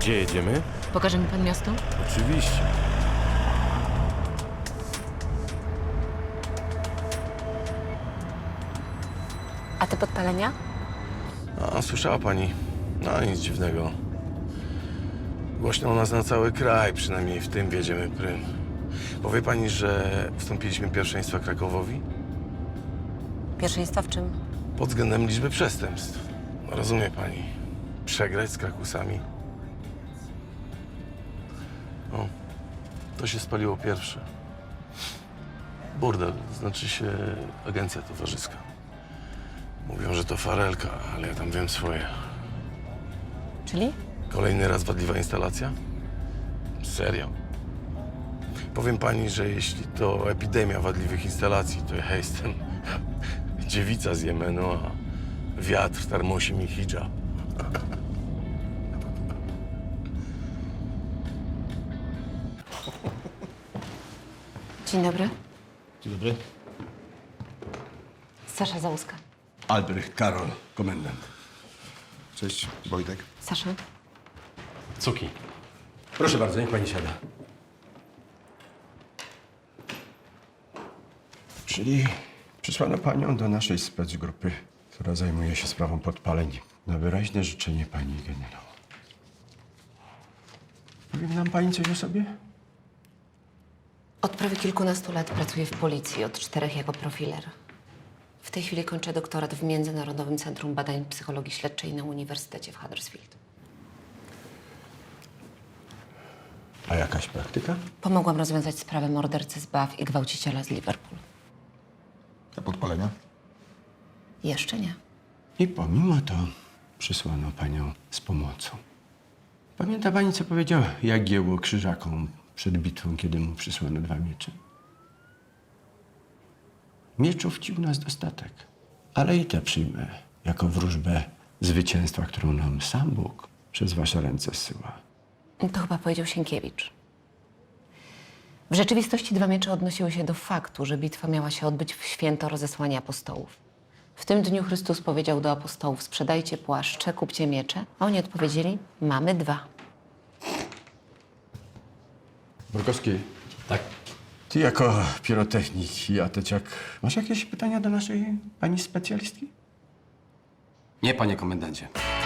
Gdzie jedziemy? Pokaże mi pan miasto? Oczywiście. A te podpalenia? A, słyszała pani? No, nic dziwnego. Głośno u nas na cały kraj, przynajmniej w tym wiedziemy prym. Powie pani, że wstąpiliśmy pierwszeństwa Krakowowi? Pierwszeństwa w czym? Pod względem liczby przestępstw. No, rozumie pani? Przegrać z Krakusami? O, to się spaliło pierwsze. Burdel, znaczy się agencja towarzyska. Mówią, że to farelka, ale ja tam wiem swoje. Czyli? Kolejny raz wadliwa instalacja? Serio? Powiem pani, że jeśli to epidemia wadliwych instalacji, to ja jestem dziewica z Jemenu, a wiatr tarmosi mi hidżab. Dzień dobry. Dzień dobry. Sasza Załuska. Albrecht Karol, komendant. Cześć, Wojtek. Sasza? Cuki. Proszę bardzo, niech pani siada. Czyli przysłano panią do naszej specgrupy, która zajmuje się sprawą podpaleń, na wyraźne życzenie pani generał. Powie nam pani coś o sobie? Od prawie kilkunastu lat pracuję w policji, od 4 jako profiler. W tej chwili kończę doktorat w Międzynarodowym Centrum Badań Psychologii Śledczej na Uniwersytecie w Huddersfield. A jakaś praktyka? Pomogłam rozwiązać sprawę mordercy z Bath i gwałciciela z Liverpool. A podpalenia? Jeszcze nie. I pomimo to przysłano panią z pomocą. Pamięta pani, co powiedział Jagiełło Krzyżakom przed bitwą, kiedy mu przysłano 2 miecze? Mieczów ci u nas dostatek, ale i te przyjmę jako wróżbę zwycięstwa, którą nam sam Bóg przez wasze ręce zsyła. To chyba powiedział Sienkiewicz. W rzeczywistości 2 miecze odnosiły się do faktu, że bitwa miała się odbyć w święto rozesłania apostołów. W tym dniu Chrystus powiedział do apostołów: sprzedajcie płaszcze, kupcie miecze, a oni odpowiedzieli: mamy 2. Borkowski, Tak? ty jako pirotechnik i ateciak, masz jakieś pytania do naszej pani specjalistki? Nie, panie komendancie.